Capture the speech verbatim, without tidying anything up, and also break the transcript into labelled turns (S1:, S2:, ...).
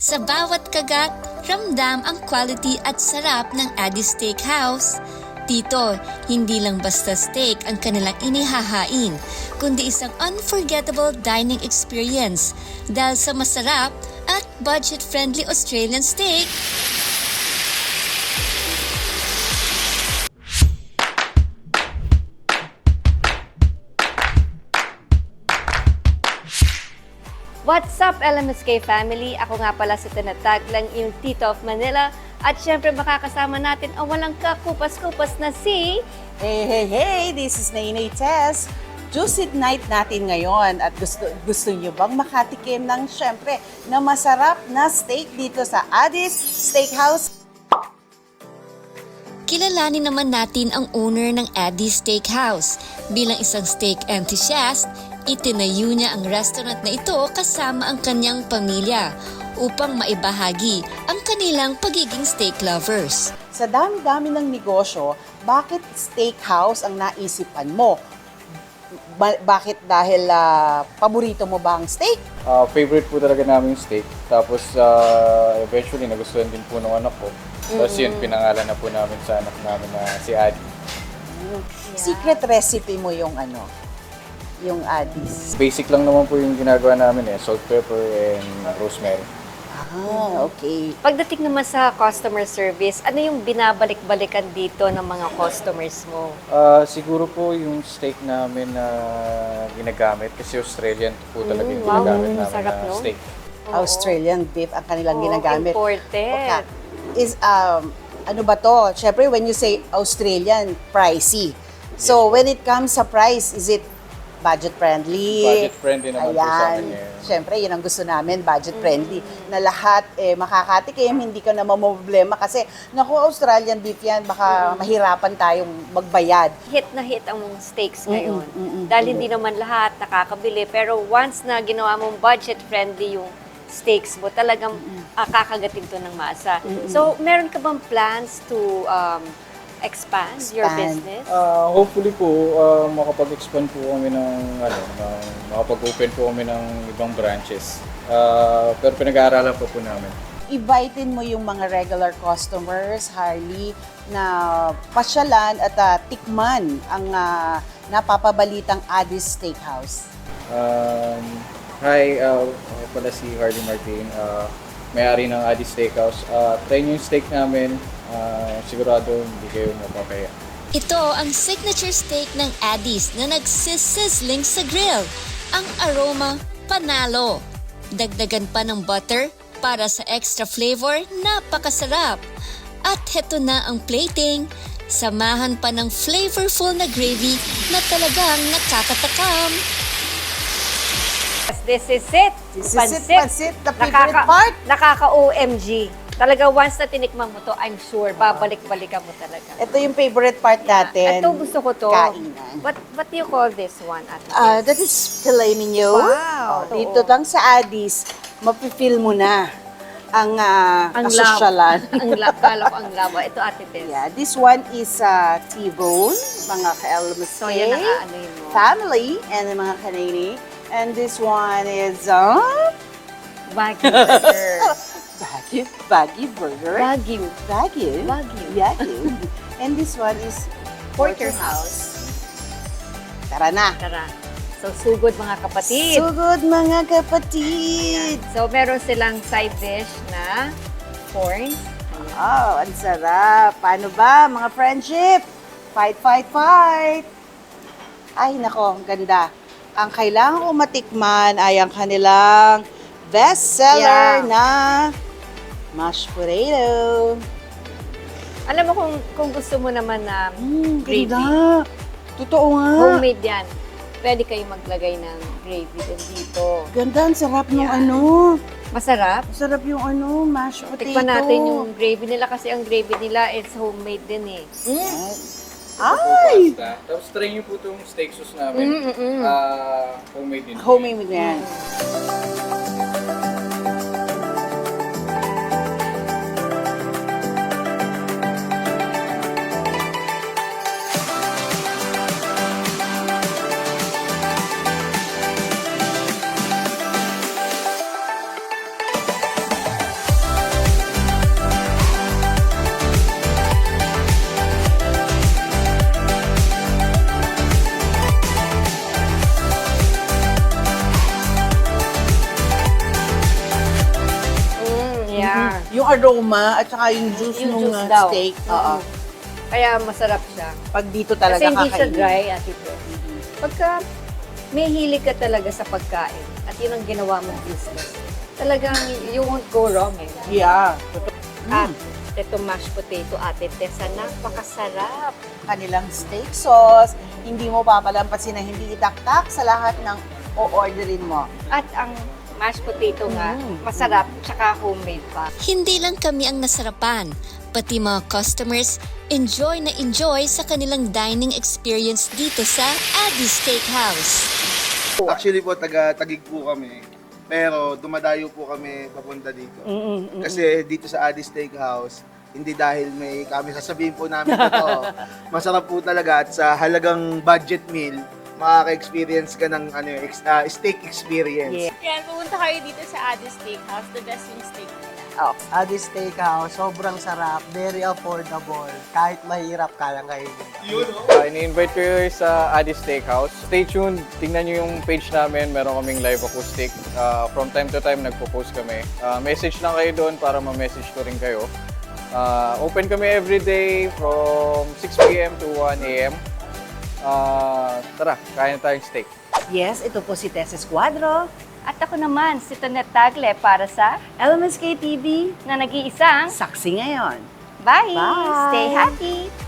S1: Sa bawat kagat, ramdam ang quality at sarap ng Addie's Steakhouse. Dito, hindi lang basta steak ang kanilang inihahain, kundi isang unforgettable dining experience dahil sa masarap at budget-friendly Australian steak.
S2: What's up, L M S K family? Ako nga pala si Tinatag lang yung Tito of Manila. At syempre makakasama natin ang walang kakupas-kupas na si...
S3: Hey, hey, hey! This is Nainay Tess. Juicy night natin ngayon at gusto, gusto nyo bang makatikim ng syempre na masarap na steak dito sa Addie's Steakhouse?
S1: Kilalanin naman natin ang owner ng Addie's Steakhouse. Bilang isang steak enthusiast, itinayo niya ang restaurant na ito kasama ang kanyang pamilya upang maibahagi ang kanilang pagiging steak lovers.
S3: Sa dami-dami ng negosyo, bakit steakhouse ang naisipan mo? Ba- bakit dahil ah, paborito mo ba ang steak?
S4: Uh, favorite po talaga namin yung steak. Tapos uh, eventually nagustuhan din po ng anak ko. Tapos yun, pinangalan na po namin sa anak namin na si Addie.
S3: Secret recipe mo yung ano, yung Addie's.
S4: Basic lang naman po yung ginagawa namin eh. Salt, pepper, and rosemary.
S3: Ah, okay.
S2: Pagdating naman sa customer service, ano yung binabalik-balikan dito ng mga customers mo?
S4: Uh, siguro po yung steak namin na ginagamit kasi Australian po talaga yung
S2: Mm, wow,
S4: ginagamit namin
S2: sarap,
S4: na
S2: no?
S4: steak.
S3: Australian beef ang kanilang
S2: Oo,
S3: ginagamit.
S2: imported.
S3: Okay. Is, um, ano ba to? Siyempre, when you say Australian, pricey. So, when it comes sa price, is it budget-friendly?
S4: Budget-friendly naman po sa
S3: Ayan.
S4: amin ngayon.
S3: Siyempre, yun ang gusto namin, budget-friendly. Na lahat eh, makakatikim, hindi ka na mamproblema. Kasi, naku, Australian beef yan, baka mahirapan tayong magbayad.
S2: Hit na hit ang steaks ngayon.
S3: Mm, mm, mm,
S2: Dahil hindi naman lahat nakakabili. Pero once na ginawa mong budget-friendly yung steaks mo, talagang ah, kakagatin to ng masa. So, meron ka bang plans to um, expand, your
S3: Expand.
S2: business?
S4: Uh, hopefully po, uh, makapag-expand po kami ng, ano, ng, makapag-open po kami ng ibang branches. Uh, pero pinag-aaralan po po namin.
S3: Invitein mo yung mga regular customers, Harley, na pasyalan at ah, tikman ang ah, napapabalitang Addie's Steakhouse.
S4: Um, hi, uh, ako pala si Harley Martin, uh, may-ari ng Addie's Steakhouse. Uh, try nyo yung steak namin, uh, sigurado hindi kayo mapapaya.
S1: Ito ang signature steak ng Addie's na nagsisizzling sa grill. Ang aroma, panalo. Dagdagan pa ng butter para sa extra flavor, napakasarap. At heto na ang plating. Samahan pa ng flavorful na gravy na talagang nakakatakam.
S2: This is it.
S3: This is it, pansit, the favorite part.
S2: Nakaka-O M G. Talaga, once na tinikman mo to, I'm sure, babalik-balikan mo talaga.
S3: Ito yung favorite part natin.
S2: Ito, gusto ko to.
S3: Kainan.
S2: What, what do you call this one, Ate?
S3: Ah, that is filet mignon.
S2: Wow,
S3: Oh, dito
S2: oo.
S3: lang sa Addie's, mapifeel mo na ang uh,
S2: ang
S3: kasosyalan.
S2: lab. ang lab. Kala ko ang laba. Ito, Ate Tess.
S3: Yeah, this one is uh, T-bone, mga ka-L M S K,
S2: So, yan ang aanuhin mo.
S3: family, and mga kanini. And this one is uh,
S2: Wagyu burger.
S3: Baguio, Baguio Burger.
S2: Wagyu.
S3: Baguio.
S2: Wagyu.
S3: Baguio. And this one is
S2: Porterhouse.
S3: Tara na.
S2: Tara. So, sugod mga kapatid.
S3: Sugod mga kapatid.
S2: So, meron silang side dish na corn.
S3: Oh, ang sarap. Paano ba, mga friendship? Fight, fight, fight. Ay, nako, ang ganda. Ang kailangan ko matikman ay ang kanilang bestseller
S2: Yeah.
S3: na mashed potato.
S2: Alam mo kung kung gusto mo naman na
S3: Mm,
S2: gravy,
S3: ganda. Totoo nga.
S2: homemade yan. Pwede kayo maglagay ng gravy din dito.
S3: Ganda, ang sarap ng
S2: Yeah.
S3: ano.
S2: Masarap.
S3: Sarap yung ano, mashed potato.
S2: Tikman natin yung gravy nila kasi ang gravy nila is homemade din eh.
S3: Ay!
S4: Pasta. Tapos try nyo po itong steak sauce
S2: Mm,
S4: namin.
S2: mm, mm.
S4: Uh, homemade din.
S3: Homemade yan. Yung aroma at saka yung juice
S2: Yung
S3: ng
S2: juice
S3: uh,
S2: daw.
S3: steak. Oo.
S2: Mm. Kaya masarap siya.
S3: Pag dito talaga
S2: Kasi hindi siya
S3: kakainin.
S2: dry, Ate Fred. Pagka may hilig ka talaga sa pagkain at yun ang ginawa mong business, talagang you won't go wrong eh.
S3: Yeah.
S2: At ito mashed potato, Ate Tessa, napakasarap.
S3: Kanilang steak sauce, hindi mo papalampasin na hindi itaktak sa lahat ng o-orderin mo.
S2: At ang mashed potato nga,
S3: Mm.
S2: masarap, tsaka homemade pa.
S1: Hindi lang kami ang nasarapan, pati mga customers enjoy na enjoy sa kanilang dining experience dito sa Addy Steakhouse.
S5: Actually po, taga-Tagig po kami. Pero dumadayo po kami papunta dito. Kasi dito sa Addy Steakhouse, hindi dahil may kami sasabihin po namin ito. Masarap po talaga at sa halagang budget meal, makaka-experience ka ng ano, ex- ah, steak experience.
S6: Yan, pumunta kayo dito sa Addy Steakhouse, the best yung steak nila.
S7: Addy Steakhouse, sobrang sarap, very affordable. Kahit mahirap, kaya kayo.
S4: Uh, ini-invite ko kayo sa Addy Steakhouse. Stay tuned, tingnan nyo yung page namin, meron kaming live acoustic. Uh, from time to time, nagpo-post kami. Uh, message lang kayo doon para ma-message ko rin kayo. Uh, open kami everyday from six p.m. to one a.m. Uh, tara, kain na tayong steak.
S3: Yes, ito po si Tess Escuadro.
S2: At ako naman, si Tonette Tagle para sa
S3: L M S K T V,
S2: na nag-iisang
S3: saksi ngayon.
S2: Bye!
S3: Bye!
S2: Stay happy!